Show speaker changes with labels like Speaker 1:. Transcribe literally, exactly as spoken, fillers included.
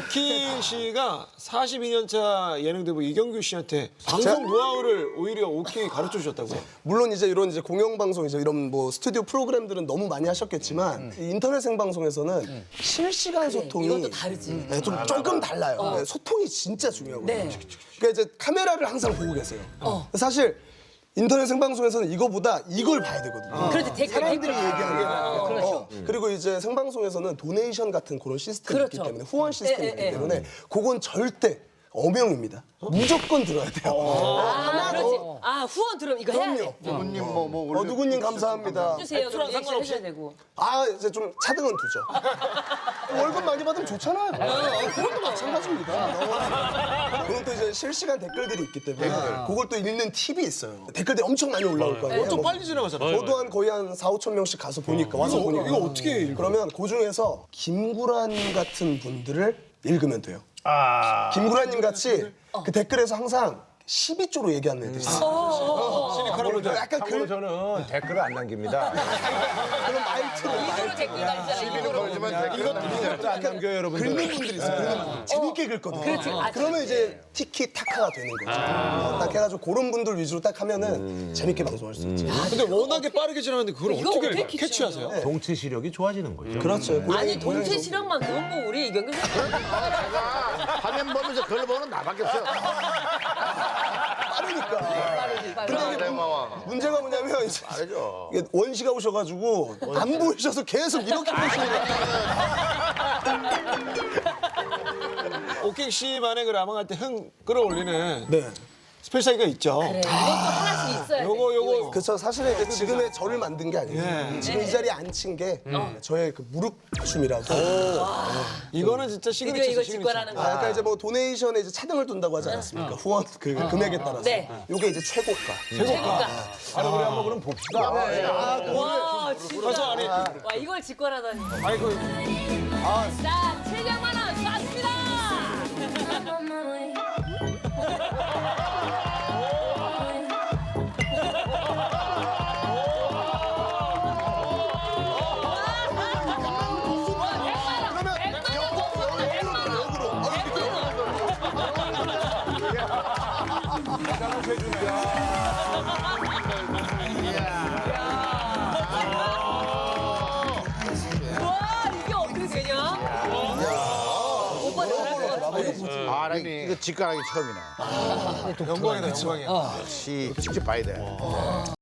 Speaker 1: 오키 씨가 사십이 년 차 예능 대부 이경규 씨한테 방송 노하우를 오히려 오키 가르쳐 주셨다고요?
Speaker 2: 물론 이제 이런 이제 공영방송 이제 이런 뭐 스튜디오 프로그램들은 너무 많이 하셨겠지만 이 인터넷 생방송에서는 실시간 소통이
Speaker 3: 이것도 다르지.
Speaker 2: 네, 좀 조금 달라요. 네, 소통이 진짜 중요하거든요.
Speaker 3: 네.
Speaker 2: 그러니까 이제 카메라를 항상 보고 계세요. 사실 인터넷 생방송에서는 이거보다 이걸 봐야 되거든요.
Speaker 3: 그렇지, 댓글,
Speaker 2: 사람들이
Speaker 3: 댓글.
Speaker 2: 얘기하는 게 나와요.
Speaker 3: 그렇죠.
Speaker 2: 어, 그리고 이제 생방송에서는 도네이션 같은 그런 시스템이 있기
Speaker 3: 그렇죠.
Speaker 2: 때문에 후원 시스템이
Speaker 3: 예,
Speaker 2: 있기
Speaker 3: 예, 예.
Speaker 2: 때문에 그건 절대 엄영입니다. 무조건 들어야 돼요.
Speaker 3: 아, 그렇지. 아, 후원 들으면 이거 해야 돼.
Speaker 4: 누구님 뭐 뭐
Speaker 2: 어, 누구님 감사합니다.
Speaker 3: 해주세요. 그럼
Speaker 1: 상관없이?
Speaker 3: 리액션 해줘야 되고.
Speaker 2: 아 이제 좀 차등은 두죠. 월급 많이 받으면 좋잖아요. 그것도 마찬가지입니다. 그건 또 이제 실시간 댓글들이 있기 때문에 그걸 또 읽는 팁이 있어요. 댓글들이 엄청 많이 올라올 거예요.
Speaker 1: 엄청
Speaker 2: 뭐
Speaker 1: 빨리 지나가잖아요.
Speaker 2: 저도 한 거의 한 사오천 명씩 가서 보니까 와서
Speaker 1: 이거,
Speaker 2: 보니까
Speaker 1: 이거 어떻게 읽어요?
Speaker 2: 그러면 그 중에서 김구라님 같은 분들을 읽으면 돼요.
Speaker 4: 아.
Speaker 2: 김구라님 같이 그 댓글에서 항상 십이 조로 얘기하는 애들이 있어요.
Speaker 1: 시니컬한 분들.
Speaker 2: 약간
Speaker 5: 참고로
Speaker 2: 그,
Speaker 5: 저는 댓글을 안 남깁니다.
Speaker 2: 그런 말투로
Speaker 3: 이거로 댓글 달잖아.
Speaker 4: 시비는 걸지만 댓글은 남기지 않죠.
Speaker 5: 안 남겨요, 여러분들.
Speaker 2: 긁는 분들이 있어요. 긁는 분들. 재밌게 긁거든요.
Speaker 3: 그렇지. 아,
Speaker 2: 그러면 이제 티키타카가 되는 거죠. 어, 딱 해가지고 그런 분들 위주로 딱 하면은 재밌게 방송할 수 있지.
Speaker 1: 근데 워낙에 빠르게 지나가는데 그걸
Speaker 3: 이거
Speaker 1: 어떻게
Speaker 3: 어떻게
Speaker 1: 캐치하세요?
Speaker 5: 동체 시력이 좋아지는 거죠.
Speaker 2: 그렇죠.
Speaker 3: 아니, 동체 실력만 그건 뭐 우리 이경규 씨.
Speaker 4: 화면 보면서 그걸 보는 나밖에 없어요.
Speaker 2: 빠르니까.
Speaker 3: 근데
Speaker 2: 이게 문- 문제가 뭐냐면 이제
Speaker 4: 알죠.
Speaker 2: 이게 원시가 오셔가지고 안 보이셔서 계속 이렇게 보시는 거예요.
Speaker 1: 오키 씨만의 그 라방할 때 흥 끌어올리는
Speaker 2: 네.
Speaker 1: 스페셜기가 있죠.
Speaker 3: 그래, 이것도 하나씩 있어야 돼.
Speaker 1: 요거 요거
Speaker 2: 그래서 사실은 이제 지금의 저를 만든 게 아니에요.
Speaker 1: 예.
Speaker 2: 지금 이 자리에 앉힌 게 저의 그 무릎 춤이라고.
Speaker 1: 이거는 진짜
Speaker 3: 드디어
Speaker 1: 시그니처죠.
Speaker 3: 이걸
Speaker 1: 시그니처.
Speaker 3: 직관하는
Speaker 2: 아,
Speaker 3: 거야.
Speaker 2: 약간 이제 뭐 도네이션에 이제 차등을 둔다고 하지 않았습니까? 후원 그 금액에 따라서.
Speaker 3: 네.
Speaker 2: 요게 이제 최고가.
Speaker 3: 최고가.
Speaker 5: 아니, 우리 한번 그럼 봅시다.
Speaker 3: 와, 진짜.
Speaker 1: 그래서 아니
Speaker 3: 와, 이걸 직관하다니.
Speaker 1: 아니 그
Speaker 3: 자, 칠백만 원 쐈습니다. 와, 이게 어떻게 되냐? 오빠 잘할 것 같아.
Speaker 4: 아, 나 이거 직관하기 처음이네.
Speaker 1: 영광이다 영광이야.
Speaker 4: 역시 직접 봐야 돼.